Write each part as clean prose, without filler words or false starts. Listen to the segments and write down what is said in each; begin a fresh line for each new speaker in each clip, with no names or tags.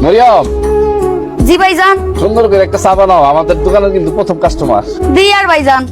মরিয়ম,
জি ভাইজান।
সুন্দর করে একটা চা বানাও, আমাদের দোকানের কিন্তু প্রথম কাস্টমার।
দি আর ভাইজান।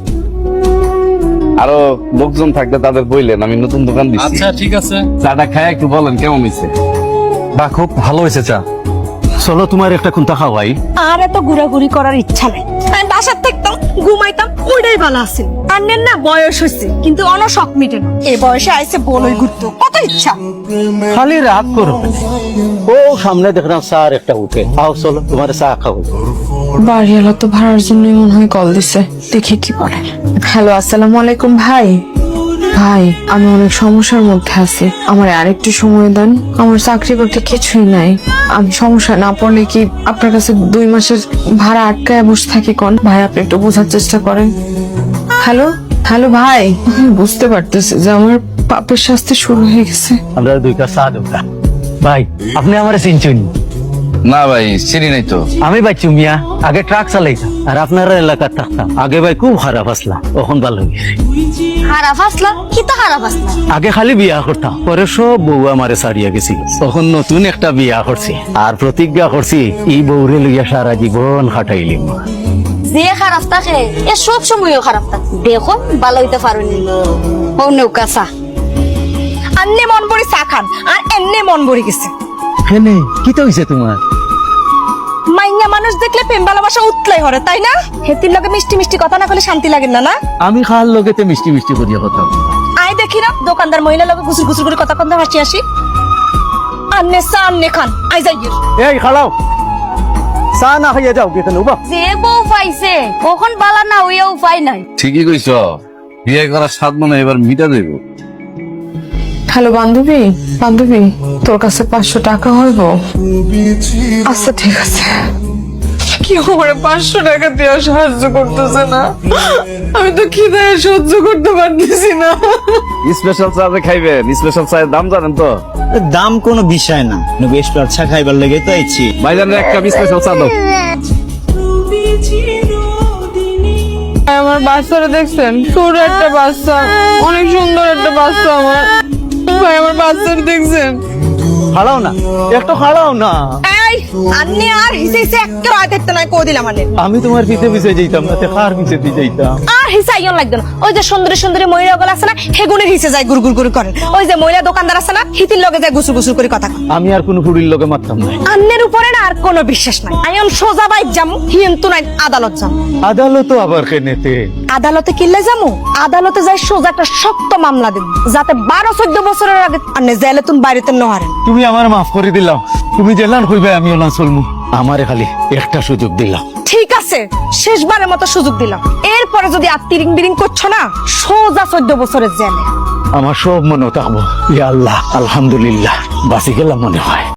আরো লোকজন থাকলে তাদের বললেন, আমি নতুন দোকান দিচ্ছি।
আচ্ছা ঠিক আছে।
চাটা খায় একটু বলেন কেমন হয়েছে।
বা খুব ভালো হয়েছে চা। চলো তোমার একটা কোনটা খাওয়াই।
আর এত ঘোরাঘুরি করার ইচ্ছা নাই। আমি বাসার থাকতাম, ঘুমাইতাম, ওইটাই ভালো আছে। আন্নের না বয়স হয়েছে, কিন্তু অনশক মিটে না। এই বয়সে আইসে বলই ঘুরতো, কত ইচ্ছা।
খালি রাত করো। ও সামনে দেখলাম চার একটা উঠে। আও চলো তোমার চা খাও।
বাড়িওয়ালা তো ভাড়ার জন্য মনে হয় কল দিছে, দেখি কি বলে। হ্যালো, আসসালামু আলাইকুম ভাই। ভাই, আমি অনেক সমস্যার মধ্যে আছি, আমার আরেকটু সময় দেন। আমার চাকরি করতে কিছুই নাই। আমি সমস্যা না পড়লে কি আপনার কাছে 2 মাসের ভাড়া আটকায় বসে থাকি কোন? ভাই, আপনি একটু বোঝার চেষ্টা করেন। হ্যালো হ্যালো ভাই, আমি বুঝতে পারতেছি যে আমার পাপের শাস্তি শুরু হয়ে গেছে।
আমরা 2 কাপ চা দেবো। ভাই আপনি আমার চিনছেন?
না ভাই, চিনি নাই তো।
আমি বাচ্চু মিয়া, আগে ট্রাক চালাইতাম আর আপনার এলাকার থাকতাম। আগে ভাই খুব খারাপ আসলা, এখন ভালো হয়ে গেছে।
হারাফ আসলা? কি তো হারাফ আসলা?
আগে খালি বিয়া করতাম, পরে সব বউ আমারে ছাড়িয়া গেছিল। তখন নতুন একটা বিয়া করছি আর প্রতিজ্ঞা করছি এই বউরে লইয়া সারা জীবন খাটাইলিম।
যে খারাপ থাকে এ সব সময়ও খারাপ থাকে। দেখো ভালো হইতে পারোনি। ও নৌকা চা।
আন্নে মন ভরি চা খান, আর এন্নে মন ভরি গেছে।
হেনে কি তো হইছে তোমার?
মাইয়া মানুষ দেখলে প্রেম ভালোবাসা উতলাই হরে, তাই না? হেতির লগে মিষ্টি মিষ্টি কথা না করলে শান্তি লাগে না, না?
আমি খাল লগেতে মিষ্টি মিষ্টি করিয়া কথা।
আয় দেখি না দোকানদার মহিলা লগে গুসুর গুসুর করে কথা কন্দা হাসি হাসি। আন্নে চা আন্নে খান, আই যাই গিয়ে।
এই খালাও, চা না খাইয়া যাও কেন উবা।
যে বউ পাইছে কখন বালা না হইয়া উপায় নাই।
ঠিকই কইছ, বিয়ে করার স্বাদ মনে হয় এবার মিটা দেব।
হ্যালো বান্ধবী, বান্ধবী তোর কাছে 500 টাকা হইব? আচ্ছা ঠিক আছে। কি করে 500 টাকা দিয়ে সাহায্য করতেছে না? আমি তো খিদায় সহ্য করতে পারতেছি না।
স্পেশাল চা যে খাইবেন, স্পেশাল চায়ের দাম জানেন তো?
দাম কোনো বিষয় না, বেশ চা খাইবার লেগে তো আইছি।
ভাইজানের এক কাপ স্পেশাল চা দাও।
আমার বাচ্চারা দেখছেন? ছোট একটা বাচ্চা, অনেক সুন্দর একটা বাচ্চা আমার। ভাই, আমার বাচ্চারা দেখছেন?
খালাও না, একটু খালাও না।
এই আন্নে আর হিসে হিসে একটা রাত দেখতে নাই কো দিলাম মানে।
আমি তোমার পিছে পিছে যাইতাম না, কার পিছে দিয়ে যাইতাম?
আর হিসা ইয়ন লাগতো না। ওই যে সুন্দরী সুন্দরী মহিলা গুলো আছে না, হেগুনের হিসে যায় গুড় গুড় গুড় করেন। ওই যে মহিলা দোকানদার আছে না, হিতির লগে যায় গুসুর গুসুর করে কথা কয়।
আমি আর কোনো ফুড়ির লগে মারতাম না।
আন্নের উপরে না আর কোনো বিশ্বাস নাই। আয়ন সোজা বাইক যামু, হিন্তু নাই আদালত যামু।
আদালত আবার কেনেতে?
আদালতে কিল্লে যামু, আদালতে যাই সোজা একটা শক্ত মামলা দেব, যাতে 12-14 বছরের আগে আন্নে জেলে তুন বাইরেতে ন হারেন।
তুমি আমার মাফ করে দিলাম। তুমি জেলান হইবে, আমি ওলা চলমু। আমারে খালি একটা সুযোগ দিলাম।
ঠিক আছে, শেষবারের মতো সুযোগ দিলাম। এরপরে যদি আর তিরিং বিরিং করছো না, সোজা 14 বছরের জেলে।
আমার সব মনে থাকবো। ইয়া আল্লাহ, আলহামদুলিল্লাহ, বাঁচি গেলাম মনে হয়।